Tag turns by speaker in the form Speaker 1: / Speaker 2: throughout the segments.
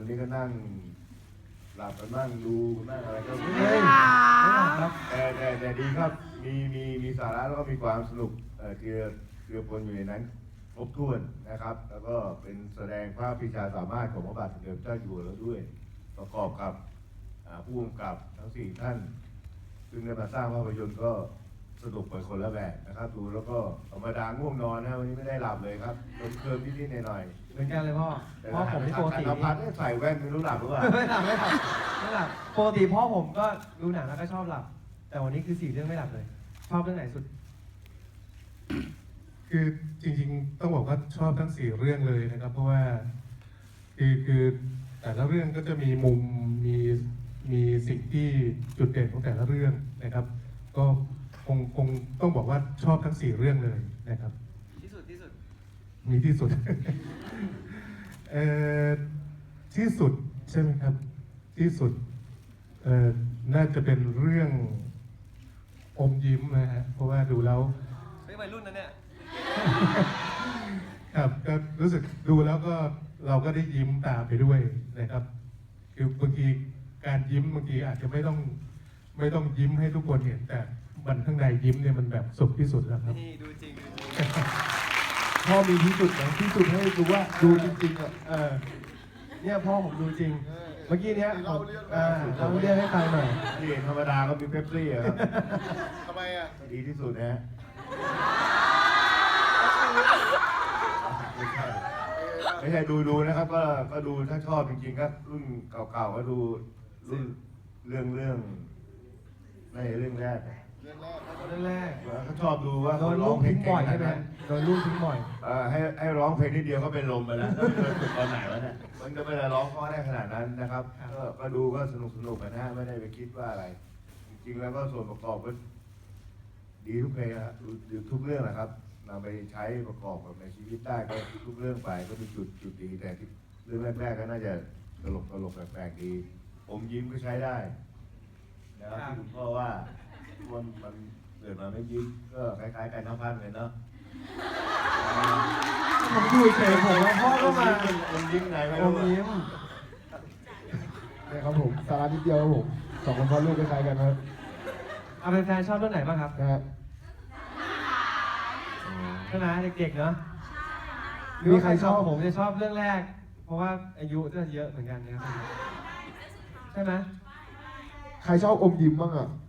Speaker 1: นี้ก็นั่งหลับกันนั่งดูนั่งอะไรก็ไม่
Speaker 2: ครับ
Speaker 1: แต่ดีครับมีสาระแล้วก็มีความสนุกเกลือปนอยู่ในนั้นครบถ้วนนะครับ แล้วก็เป็นแสดงภาพวิชาสามารถของพระบาทสมเด็จพระเจ้าอยู่หัวแล้วด้วยประกอบกับผู้กำกับทั้ง4ท่านซึ่งได้มาสร้างภาพยนตร์ก็สนุกไปคนละแบบนะครับดูแล้วก็ธรรมดาง่วงนอนนะวันนี้ไม่ได้หลับเลยครับเคลิ้มนิดๆหน่อย
Speaker 2: เหมือนกันเลยพ่อผมที่ปกติ
Speaker 1: พัดใส่แว่นไม่รู้หลับหรือเปล่า
Speaker 2: ไม่หลับปกติพ่อผมก็ดูหนังแล้วก็ชอบหลับแต่วันนี้คือ4 เรื่องไม่หลับเลยชอบเรื่องไหนสุด
Speaker 3: คือจริงๆต้องบอกว่าชอบทั้ง4 เรื่องเลยนะครับ เพราะว่าคือแต่ละเรื่องก็จะมีมุมมีสิ่งที่จุดเด่นของแต่ละเรื่องนะครับ ก็คงต้องบอกว่าชอบทั้ง4 เรื่องเลยนะครับ
Speaker 2: ที่สุด
Speaker 3: มีที่สุด ที่สุดใช่ไหมครับที่สุดน่าจะเป็นเรื่องอมยิ้มนะฮะเพราะว่าดูแล้ว
Speaker 2: ไม่วัยรุ่นนะเนี่ย
Speaker 3: ครับก็รู้สึกดูแล้วก็เราก็ได้ยิ้มตามไปด้วยนะครับคือบางทีการยิ้มบางทีอาจจะไม่ต้องยิ้มให้ทุกคนเห็นแต่มันข้างในยิ้มเนี่ยมันแบบสุดที่สุดแล้วครับ
Speaker 2: นี่ดูจริง
Speaker 4: พ่อมีที่สุดนะที่สุดให้ดูว่าดูจริงๆอ่ะ
Speaker 2: เนี่ยพ่อผมดูจริงเมื่อกี้เนี้ย
Speaker 4: เล่าเรื่อง
Speaker 2: ให้ฟังหน่อย
Speaker 1: นี่ธรรมดาก็มีเป๊ปซี่ครับ
Speaker 4: ทำไมอ่ะ
Speaker 1: ดีที่สุดนะไม่ใช่ดูนะครับก็ดูถ้าชอบจริงๆก็รุ่นเก่าๆก็ดูรุ่นเรื่องในเรื่องแรกเขาชอบดูว่า
Speaker 2: โดนลูกทิ้งบ่อยใช่ไหมโดนลูกทิ้งบ่อย
Speaker 1: ให้ร้องเพลงนิดเดียวก็เป็นลมไปแล้วแล้วฝึกตอนไหนวะเนี่ยมันก็ไม่ได้ร้องเพราะได้ขนาดนั้นนะครับก็ดูก็สนุกกันนะไม่ได้ไปคิดว่าอะไรจริงๆแล้วก็ส่วนประกอบก็ดีทุกเพลงนะครับทุกเรื่องนะครับนำไปใช้ประกอบกับในชีวิตได้ก็ทุกเรื่องไปก็มีจุดดีแต่ที่เรื่องแรกๆก็น่าจะตลกแปลกๆดีผมยิ้มก็ใช้ได้นะครับที่คุณพ่อว่ามันเกิดมาไม่ยิ้มก็คล้ายๆกันทั้งพันเลยเนาะ
Speaker 2: ผมดูเฉยผมแล้วพ่อก็มา
Speaker 1: ผมยิ้มไงไม่
Speaker 2: รู้ยิ้ม
Speaker 4: เนี่ยครับผมสาระนิดเดียวครับผม2 คนพ่อลูกคล้ายๆกันครับ
Speaker 2: เอาเป็นแฟนชอบเรื่องไหนบ้างครับ
Speaker 4: นะฮะ
Speaker 2: ใช่ไหมเด็กๆเนาะมีใครชอบผมจะชอบเรื่องแรกเพราะว่าอายุจะเยอะเหมือนกันนะครับใช่ไหม
Speaker 4: ใครชอบอมยิ้มบ้างอ่ะ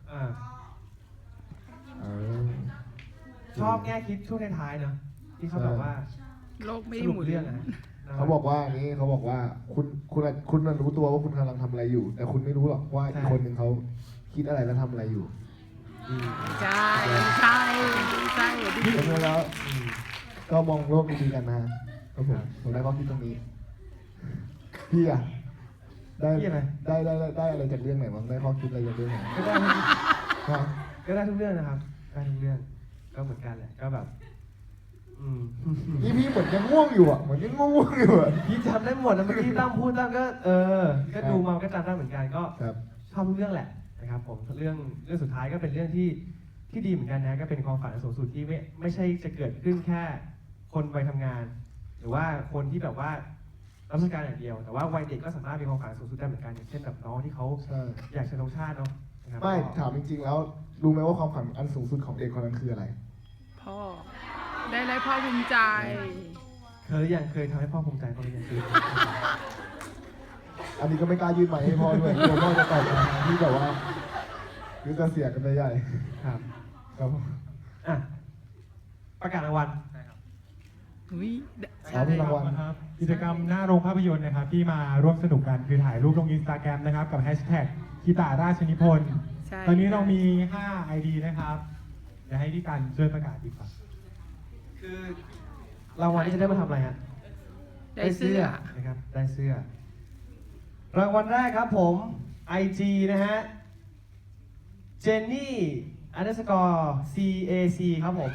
Speaker 2: ชอบแง่คิดช่วงท้ายๆเนาะที่เขาแบบว่า
Speaker 5: โลกไม่หมุน
Speaker 2: เรื่องอะ
Speaker 4: เขาบอกว่านี้เขาบอกว่าคุณรู้ตัวว่าคุณกำลังทำอะไรอยู่ แต่คุณไม่รู้หรอกว่าอีกคนหนึ่งเขาคิดอะไรและทำอะไรอยู่
Speaker 5: ใช่
Speaker 4: เพราะฉะนั้นแล้วก็มองโลกดีๆกันนะครับผมได้ข้อคิดตรงนี้พี่อะได้อะไรจากเรื่องไหนบ้างได้ข้อคิดอะไรจากเรื่องไหน
Speaker 2: ก็ได้ทุกเรื่องนะครับได้ทุกเรื่องก็เหมือนกันแหละก็แบบ
Speaker 4: พี่เหมือนยังง่วงอยู่อ่ะเหมือนยังง่วงอยู่อ่ะ
Speaker 2: พี่จำได้หมดแล้วเมื่อกี้ตั้งพูดตั้งก็ก็ดูมาก็จำได้เหมือนกันก็ชอบทุกเรื่องแหละนะครับผมเรื่องสุดท้ายก็เป็นเรื่องที่ดีเหมือนกันนะก็เป็นความฝันสูงสุดที่ไม่ใช่จะเกิดขึ้นแค่คนวัยทำงาน หรือว่าคนที่แบบว่ารับราชการอย่างเดียวแต่ว่าวัยเด็กก็สามารถมีความฝันสูงสุดได้เหมือนกันอย่างเช่นแบบน้องที่เขาอยากจะลงชาติเนาะ
Speaker 4: ไม่ถามจริงๆแล้วรู้ไหมว่าความฝันอันสูงสุดของเด็กคนนั้นคืออะไร
Speaker 5: พ่อได้ไรพ่อภูมิใจ
Speaker 2: เคยทำให้พ่อภูมิใจเขาหรือยัง
Speaker 4: อันนี้ก็ไม่กล้ายื่นไมค์ให้พ่อด้วยกลัวพ่อจะตอบคำถามที่แบบว่าคือจะเสียกันไปใหญ่
Speaker 2: ครับประกาศรางวัล
Speaker 4: รางวัล
Speaker 3: ครับกิจกรรมหน้าโรงภาพยนตร์นะครับที่มาร่วมสนุกกันคือถ่ายรูปลง Instagram นะครับกับแฮชแท็กกีตาราชนิพนธ์ตอนนี้เรามี5 ID นะครับเดี๋ยวให้พี่กันช่วยประกาศดีกว่า
Speaker 2: คือรางวัลที่จะได้มาทำอะไรฮะ
Speaker 5: ได้เสื้อ
Speaker 2: นะครับได้เสื้อรางวัลแรกครับผม IG นะฮะ Jenny_CAC ครับผม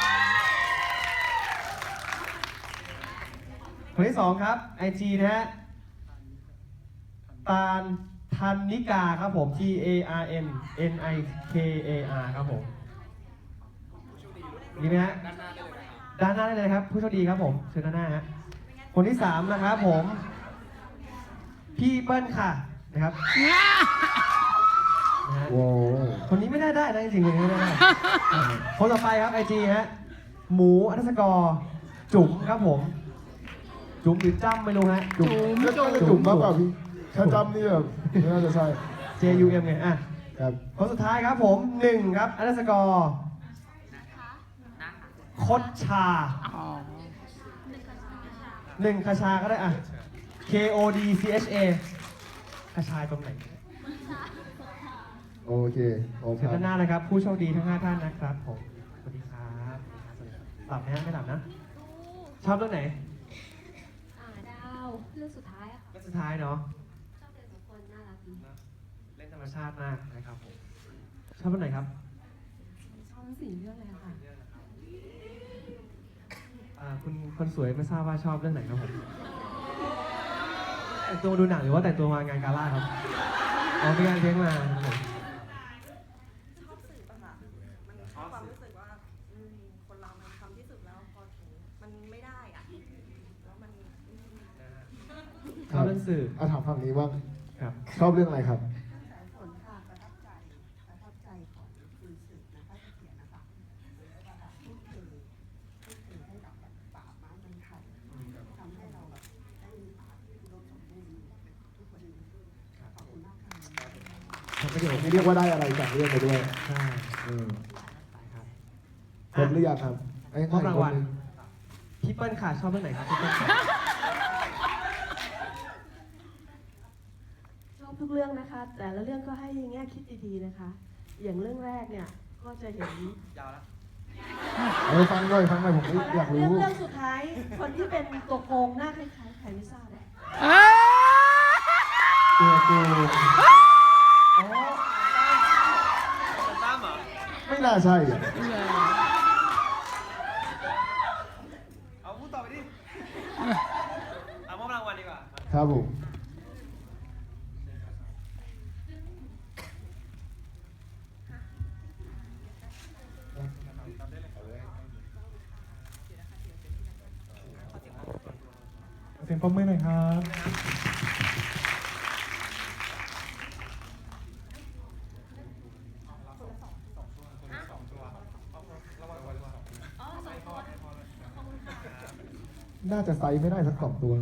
Speaker 2: คนที่2ครับ IG นะฮะตาลทันนิกาครับผม TARNNIKAR ครับผมดีไหมฮะด้านหน้าได้เลยครับผู้โชคดีครับผมเชิญด้านหน้าฮะคนที่3นะครับผมพี่เปิ้ลค่ะนะครับนะฮะ
Speaker 4: โว้ว
Speaker 2: คนนี้ไม่ได้นะจริงๆคนนี้ไม่ได้คนต่อไปครับไอจีฮะหมู_จุ๋มครับผม จุ๋มหรือจ้ำไม่รู้ฮะ
Speaker 4: จุ่มก็น่าจะจุ่มมากกว่าพี่ถ้าจำนี่แบบไม่น่าจะใช่
Speaker 2: JUM ไงอ่ะ
Speaker 4: ครับ
Speaker 2: คนสุดท้ายครับผม1ครับคดชา
Speaker 5: อ๋อ
Speaker 2: 1คชาก็ได้อ่ะ KODCHA คชาตรงไหน
Speaker 4: โอเคโอเค
Speaker 2: เชิญด้านหน้านะครับ ผู้โชคดีทั้ง5ท่านนะครับผมสวัสดีครับหลับไหมฮะไม่หลับนะ ชอบเรื่องไหน
Speaker 6: ดาวเรื่องสุดท้ายอะค่ะ
Speaker 2: เรื่องสุดท้ายเนาะ
Speaker 6: ชอบเด็กสองคนน่ารักดี
Speaker 2: เล่นธรรมชาติมากนะครับผมชอบเรื่องไหนครับ
Speaker 6: ชอบทั้งสี่เรื่องเลยอะค่ะ
Speaker 2: คุณคนสวยไม่ทราบว่าชอบเรื่องไหนครับผมแต่งตัวดูหนังหรือว่าแต่งตัวมางานกาล่าครับอ๋อมีงานเลี้ยงมาครับผม
Speaker 7: ชอบสื่อป่ะคะมันความรู้สึกว่าคนเรามันทำที่สุดแล้วพอถึงมันไม่ได้อะแล้วมัน
Speaker 2: ชอบเรื่องสื่อ
Speaker 4: ถามฝั่งนี้บ้าง
Speaker 2: ครับ
Speaker 4: ชอบเรื่องอะไรครับ
Speaker 7: ผลค่ะประทับใจของคุณสื่อนะคะที่เขียนนะคะพูดถึงให้กับป่าไม้เมืองไทยทำให้เราแบบได้มีป่าที่อุดมสมบูรณ์ทุกวันนี้ขอบคุณมากค่ะ
Speaker 2: ทำประโยชน์
Speaker 4: ไม่เรียกว่าได้อะไรจากเรื่องไปด้วย
Speaker 2: ใช่
Speaker 4: ครับ
Speaker 2: ค
Speaker 4: ครบหรือยังครับ
Speaker 2: มอบรางวัลพี่เปิ้ลค่ะชอบเรื่องไหนครับพี่เปิ้ลค่ะ
Speaker 8: ชอบทุกเรื่องนะคะ แต่ละเรื่องก็ให้แง่คิดดีๆนะคะ อย่างเรื่องแรกเนี่ยก็จะเห็น
Speaker 4: ฟังหน่อยผมอยากรู้
Speaker 8: เรื่องสุดท้ายคนที่เป็นตัวโกงหน้าคล้ายๆใครไม่ทราบอะ
Speaker 4: ตัวกูไม่น่าใช่อ่ะ
Speaker 2: เอาพูดต่อไปดิเอามอบรางวัลดีกว่า
Speaker 4: ครับผม
Speaker 3: เสียงปรบมือหน่อยครับ
Speaker 4: น่าจะไซส์ไม่ได้สักสองตัว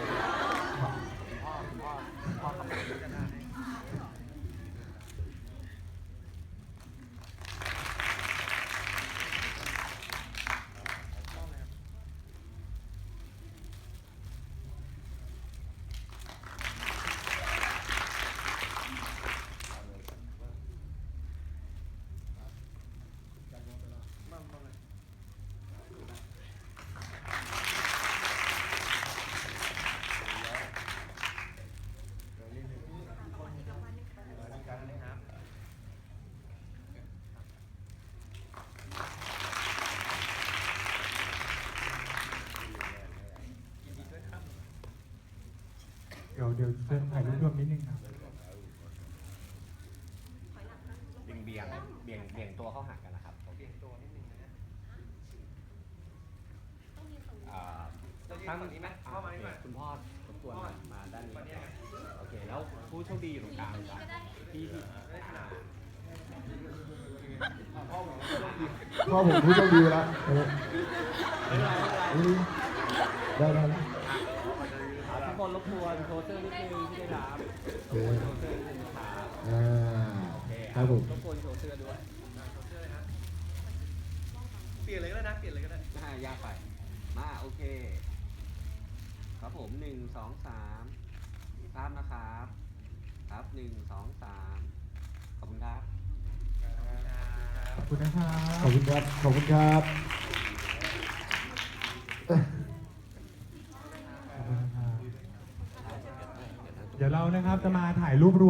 Speaker 3: เดี๋ยวเชิญถ่ายรูปรวมนิดนึงครับ
Speaker 9: เบี่ยงตัวเข้าหากันนะครับเบี่ยงตัวนิดนึงนะตั้งนี้ไหมคุณพ่อรบกวนมาด้านนี้โอเคแล้วผู้โชคดีอยู่ตรงกลางครับที่
Speaker 4: พ่อผมผู้โชคดีแล้วได้
Speaker 9: ทุกคนรบกวนโทรเซอร์นิดนึงที่ได้รับ
Speaker 4: โอเค
Speaker 9: โทรเซอร์นิดนึงนะครับ
Speaker 4: ครับผม
Speaker 9: รบกวนโทรเซอร์ด้วย
Speaker 2: เปลี่ยนเลยก็ได้นะเปลี่ยนเลยก็ได้
Speaker 9: ยากไปมาโอเคครับผม1 2 3ภาพนะครับครับ1 2 3ขอบคุณครับ
Speaker 3: ขอบคุณนะครับ
Speaker 4: ขอบคุณครับ ขอบคุณครับ
Speaker 3: เดี๋ยวเรานะครับจะมาถ่ายรูปรวม